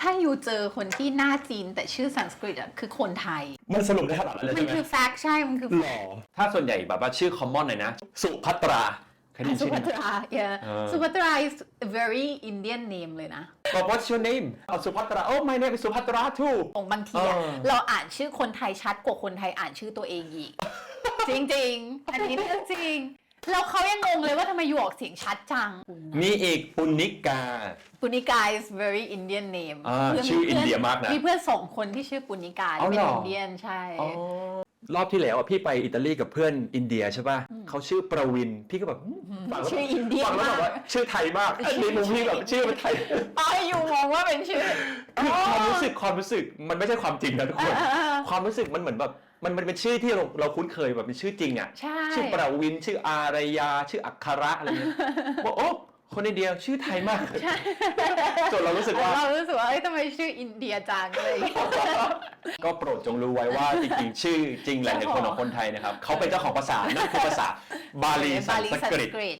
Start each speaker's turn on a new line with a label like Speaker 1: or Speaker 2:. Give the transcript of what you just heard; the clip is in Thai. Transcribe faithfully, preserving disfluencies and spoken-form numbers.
Speaker 1: ถ้าอยู่เจอคนที่หน้าจีนแต่ชื่อสันสกฤตอ่ะคือคนไทย
Speaker 2: มันสรุปได้ขนาดนั้นเลย
Speaker 1: มั
Speaker 2: ใช่
Speaker 1: น
Speaker 2: ไหม
Speaker 1: คือแฟกต์ใช่ มันคือ
Speaker 2: หรอถ้าส่วนใหญ่แบบว่าชื่อ common หน่อยนะ สุภัตราเคยได้ยิน
Speaker 1: สุ
Speaker 2: ชื่อ
Speaker 1: ภั
Speaker 2: นี้
Speaker 1: ตรา yeah สุภัตรา is a very Indian name เลยนะ
Speaker 2: บอก what's your name เอาสุภัตรา oh my name is สุภัตรา too
Speaker 1: ของบางทีอะ
Speaker 2: เออ
Speaker 1: เราอ่านชื่อคนไทยชัดกว่าคนไทยอ่านชื่อตัวเองอีก จริงๆ อันนี้เรื่องจริง แล้วเขายังงงเลยว่าทำไมอยู่ออกเสียงชัดจัง
Speaker 2: มีอีกปุณิกา
Speaker 1: ปุณิกา is very Indian name
Speaker 2: อ่า
Speaker 1: พื่น
Speaker 2: ชื่ออินเดียมากนะ
Speaker 1: มีเพื่อนสองคนที่ชื่อปุณิกา
Speaker 2: เอา
Speaker 1: เป็น
Speaker 2: เหรอ
Speaker 1: อินเดียนใช่
Speaker 2: รอบที่แล้วอะพี่ไปอิตาลีกับเพื่อนอินเดียใช่ป่ะเขาชื่อประวินพี่ก็แบบฟังแล้ว
Speaker 1: ชื่ออินเดีย
Speaker 2: ฟังแล้วแบบ
Speaker 1: มา
Speaker 2: ว่าก ชื่อไทยมากอันนี้มุมพี่แบบชื่อมันไทย
Speaker 1: อ๋ออยู่มองว่าเป็นชื่อ
Speaker 2: คือความรู้สึกความรู้สึกมันไม่ใช่ความจริงนะทุกคน
Speaker 1: อ่า
Speaker 2: ความรู้สึกมันเหมือนแบบมันมันเป็นชื่อที่เราเราคุ้นเคยแบบเป็นชื่อจริงอ่ะ
Speaker 1: ใช่
Speaker 2: ชื่อประวินชื่ออารยาชื่ออัคระอะไรเงี้ยบอกโอ้คนอินเดียชื่อไทยมากจนเรารู้สึกว่า
Speaker 1: เรารู้สึกว่าเอ้ยทำไมชื่ออินเดียจังเลย
Speaker 2: ก็โปรดจงรู้ไว้ว่าจริงๆชื่อจริงหลายๆคนของคนไทยนะครับเขาเป็นเจ้าของภาษานั่นคือภาษาบาลีสันสกฤต